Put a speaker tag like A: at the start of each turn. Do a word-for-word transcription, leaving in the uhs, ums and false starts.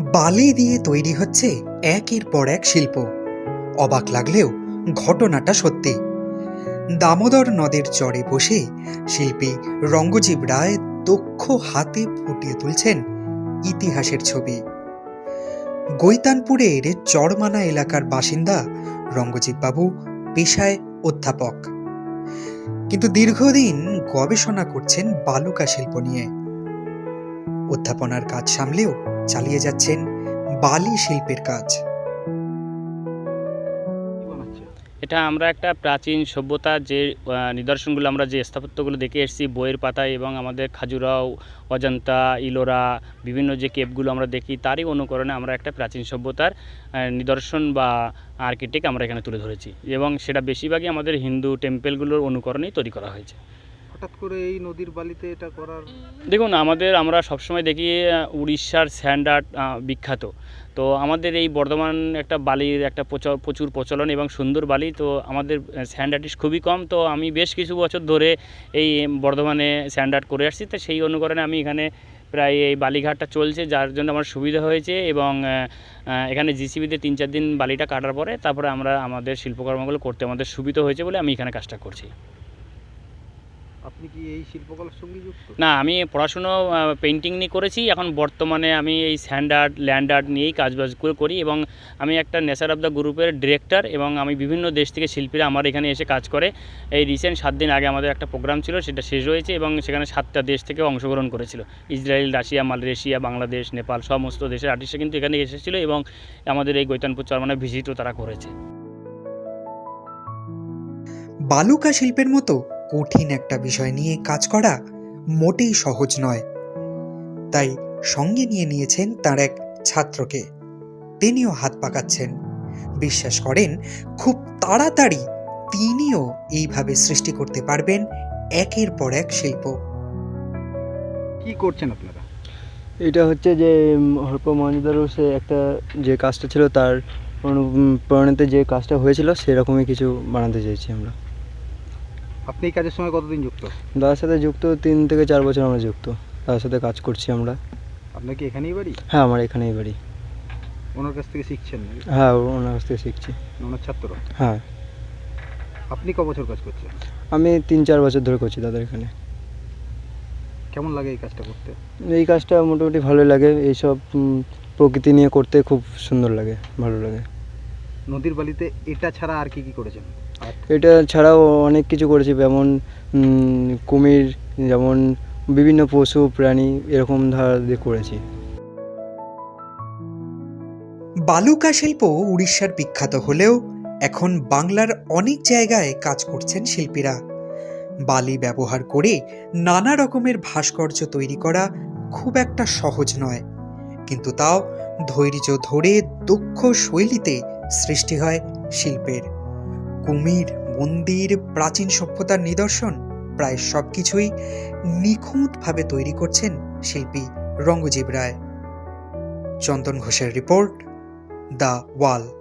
A: বালি দিয়ে তৈরি হচ্ছে একের পর এক শিল্প। অবাক লাগলেও ঘটনাটা সত্যি। দামোদর নদের চরে বসে শিল্পী রঙ্গজীব রায় দক্ষ হাতে ফুটিয়ে তুলছেন ইতিহাসের ছবি। গৈতানপুরের চরমানা এলাকার বাসিন্দা রঙ্গজীব বাবু পেশায় অধ্যাপক, কিন্তু দীর্ঘদিন গবেষণা করছেন বালুকা শিল্প নিয়ে। অধ্যাপনার কাজ সামলেও চালিয়ে যাচ্ছেন বালি শিল্পের কাজ।
B: এটা আমরা একটা প্রাচীন সভ্যতা যে নিদর্শনগুলো আমরা যে স্থাপত্যগুলো দেখে এসেছি বইয়ের পাতায় এবং আমাদের খাজুরাও, অজন্তা, ইলোরা বিভিন্ন যে কেপগুলো আমরা দেখি তারই অনুকরণে আমরা একটা প্রাচীন সভ্যতার নিদর্শন বা আর্কিটেক্ট আমরা এখানে তুলে ধরেছি এবং সেটা বেশিরভাগই আমাদের হিন্দু টেম্পেলগুলোর অনুকরণেই তৈরি করা হয়েছে।
C: হঠাৎ করে এই নদীর বালিতে এটা করার?
B: দেখুন, আমাদের আমরা সবসময় দেখি উড়িষ্যার স্যান্ড আর্ট বিখ্যাত, তো আমাদের এই বর্ধমান একটা বালির একটা প্রচুর প্রচলন এবং সুন্দর বালি, তো আমাদের স্যান্ড আর্টিস্ট খুবই কম। তো আমি বেশ কিছু বছর ধরে এই বর্ধমানে স্যান্ড আর্ট করে আসছি, তো সেই অনুকরণে আমি এখানে প্রায় এই বালিঘাটটা চলছে, যার জন্য আমার সুবিধা হয়েছে এবং এখানে জিসিবিতে তিন চার দিন বালিটা কাটার পরে তারপরে আমরা আমাদের শিল্পকর্মগুলো করতে আমাদের সুবিধা হয়েছে বলে আমি এখানে কাজটা করছি।
C: আপনি কি এই শিল্পকলার সঙ্গে যুক্ত?
B: না, আমি পড়াশুনো পেন্টিং নিয়ে করেছি, এখন বর্তমানে আমি এই স্যান্ড আর্ট, ল্যান্ড আর্ট নিয়েই কাজবাজ করি এবং আমি একটা নেচার অফ দ্য গ্রুপের ডিরেক্টর এবং আমি বিভিন্ন দেশ থেকে শিল্পীরা আমার এখানে এসে কাজ করে। এই রিসেন্ট সাত দিন আগে আমাদের একটা প্রোগ্রাম ছিল, সেটা শেষ হয়েছে এবং সেখানে সাতটা দেশ থেকে অংশগ্রহণ করেছিল। Israel, Russia, Malaysia, Bangladesh, Nepal সমস্ত দেশের আর্টিস্টরা কিন্তু এখানে এসেছিল এবং আমাদের এই গৈতানপুর চরমানায় ভিজিটও তারা করেছে।
A: বালুকা শিল্পের মতো কঠিন একটা বিষয় নিয়ে কাজ করা মোটেই সহজ নয়, তাই সঙ্গে নিয়ে নিয়েছেন তার এক ছাত্রকে। তিনিও হাত পাকাচ্ছেন, বিশ্বাস করেন খুব তাড়াতাড়ি তিনিও এইভাবে সৃষ্টি করতে পারবেন একের পর এক শিল্প।
C: কি করছেন আপনারা?
D: এটা হচ্ছে যে হরপ মহেঞ্জোদারো একটা যে কাজটা ছিল তার অনুপ্রেরণাতে যে কাজটা হয়েছিল সেরকমই কিছু বানাতে চাইছি আমরা।
C: আপনি এই কাজের সঙ্গে কতদিন যুক্ত?
D: দাদার সাথে যুক্ত তিন থেকে চার বছর আমরা যুক্ত, তার সাথে কাজ করছি আমরা।
C: আপনার কি এখানেই বাড়ি?
D: হ্যাঁ, আমার এখানেই বাড়ি।
C: ওনার কাছ থেকে শিখছেন?
D: হ্যাঁ, ওনার কাছ থেকে শিখছি।
C: ওনার ছাত্র?
D: হ্যাঁ।
C: আপনি ক বছর কাজ করছেন?
D: আমি তিন চার বছর ধরে করছি দাদার এখানে।
C: কেমন লাগে এই কাজটা করতে?
D: এই কাজটা মোটামুটি ভালোই লাগে, এইসব প্রকৃতি নিয়ে করতে খুব সুন্দর লাগে, ভালো লাগে।
C: নদীর বালিতে এটা ছাড়া আর কি কি করেছেন?
D: এটা ছাড়াও অনেক কিছু করেছি, যেমন কুমির, যেমন বিভিন্ন পশু প্রাণী এরকম ধারা দিয়ে করেছি।
A: বালুকা শিল্প উড়িষ্যার বিখ্যাত হলেও এখন বাংলার অনেক জায়গায় কাজ করছেন শিল্পীরা। বালি ব্যবহার করে নানা রকমের ভাস্কর্য তৈরি করা খুব একটা সহজ নয়, কিন্তু তাও ধৈর্য ধরে দক্ষ শৈলীতে সৃষ্টি হয় শিল্পের। কুমির, মন্দির, প্রাচীন সভ্যতার নিদর্শন প্রায় সবকিছুই নিখুঁতভাবে তৈরি করছেন শিল্পী রঙ্গজীব রায়। চন্দন ঘোষের রিপোর্ট, দ্য ওয়াল।